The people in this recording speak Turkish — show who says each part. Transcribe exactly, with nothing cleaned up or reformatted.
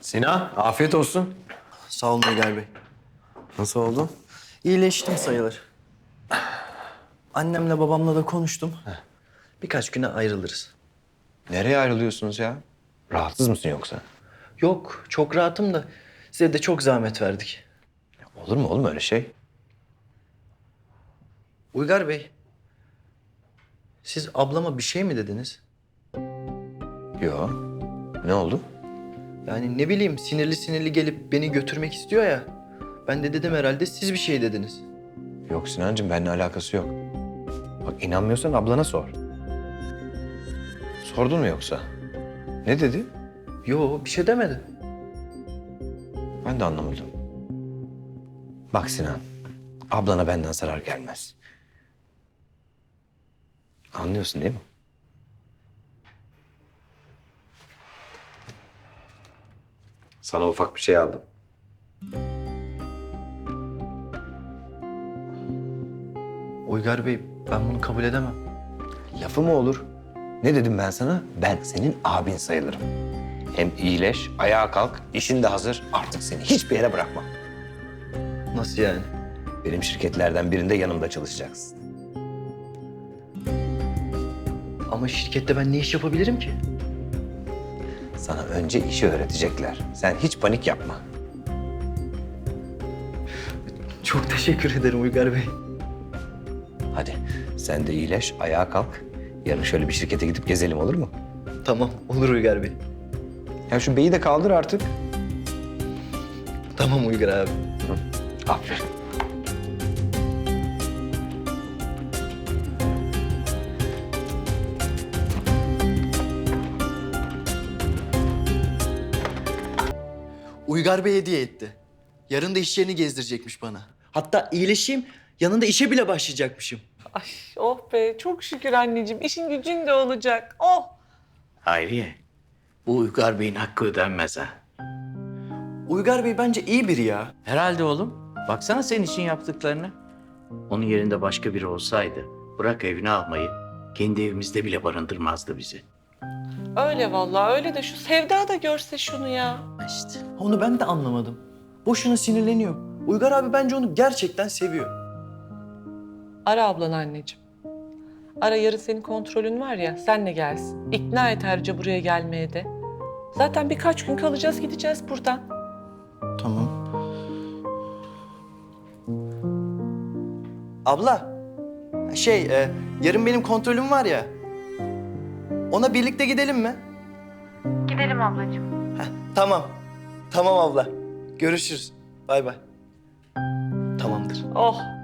Speaker 1: Sinan, afiyet olsun.
Speaker 2: Sağ olun Uygar Bey.
Speaker 1: Nasıl oldu?
Speaker 2: İyileştim sayılır. Annemle babamla da konuştum. Birkaç güne ayrılırız.
Speaker 1: Nereye ayrılıyorsunuz ya? Rahatsız mısın yoksa?
Speaker 2: Yok, çok rahatım da size de çok zahmet verdik.
Speaker 1: Olur mu oğlum öyle şey?
Speaker 2: Uygar Bey, siz ablama bir şey mi dediniz?
Speaker 1: Yo. Ne oldu?
Speaker 2: Yani ne bileyim sinirli sinirli gelip beni götürmek istiyor ya. Ben de dedim herhalde siz bir şey dediniz.
Speaker 1: Yok Sinancığım, benimle alakası yok. Bak inanmıyorsan ablana sor. Sordun mu yoksa? Ne dedi?
Speaker 2: Yo, bir şey demedi.
Speaker 1: Ben de anlamadım. Bak Sinan, ablana benden zarar gelmez. Anlıyorsun değil mi? Sana ufak bir şey aldım.
Speaker 2: Uygar Bey, ben bunu kabul edemem.
Speaker 1: Lafı mı olur? Ne dedim ben sana? Ben senin abin sayılırım. Hem iyileş, ayağa kalk, işin de hazır. Artık seni hiçbir yere bırakmam.
Speaker 2: Nasıl yani?
Speaker 1: Benim şirketlerden birinde yanımda çalışacaksın.
Speaker 2: Ama şirkette ben ne iş yapabilirim ki?
Speaker 1: Sana önce işi öğretecekler. Sen hiç panik yapma.
Speaker 2: Çok teşekkür ederim Uygar Bey.
Speaker 1: Hadi sen de iyileş, ayağa kalk. Yarın şöyle bir şirkete gidip gezelim, olur mu?
Speaker 2: Tamam, olur Uygar Bey.
Speaker 1: Ya şu beyi de kaldır artık.
Speaker 2: Tamam Uygar abi.
Speaker 1: Aferin.
Speaker 2: Uygar Bey hediye etti. Yarın da iş yerini gezdirecekmiş bana. Hatta iyileşeyim, yanında işe bile başlayacakmışım.
Speaker 3: Ay oh be çok şükür anneciğim. İşin gücün de olacak. Oh.
Speaker 4: Hayriye, bu Uygar Bey'in hakkı ödenmez ha.
Speaker 2: Uygar Bey bence iyi biri ya.
Speaker 4: Herhalde oğlum. Baksana senin için yaptıklarını. Onun yerinde başka biri olsaydı bırak evine almayı, kendi evimizde bile barındırmazdı bizi.
Speaker 3: Öyle vallahi öyle de şu Sevda da görse şunu ya.
Speaker 4: İşte.
Speaker 2: Onu ben de anlamadım. Boşuna sinirleniyor. Uygar abi bence onu gerçekten seviyor.
Speaker 3: Ara ablan anneciğim. Ara yarın senin kontrolün var ya senle gelsin. İkna et Erce buraya gelmeye de. Zaten birkaç gün kalacağız gideceğiz buradan.
Speaker 2: Tamam. Abla, şey, e, yarın benim kontrolüm var ya. Ona birlikte gidelim mi?
Speaker 5: Gidelim ablacığım.
Speaker 2: Heh, tamam. Tamam abla. Görüşürüz. Bay bay. Tamamdır.
Speaker 3: Oh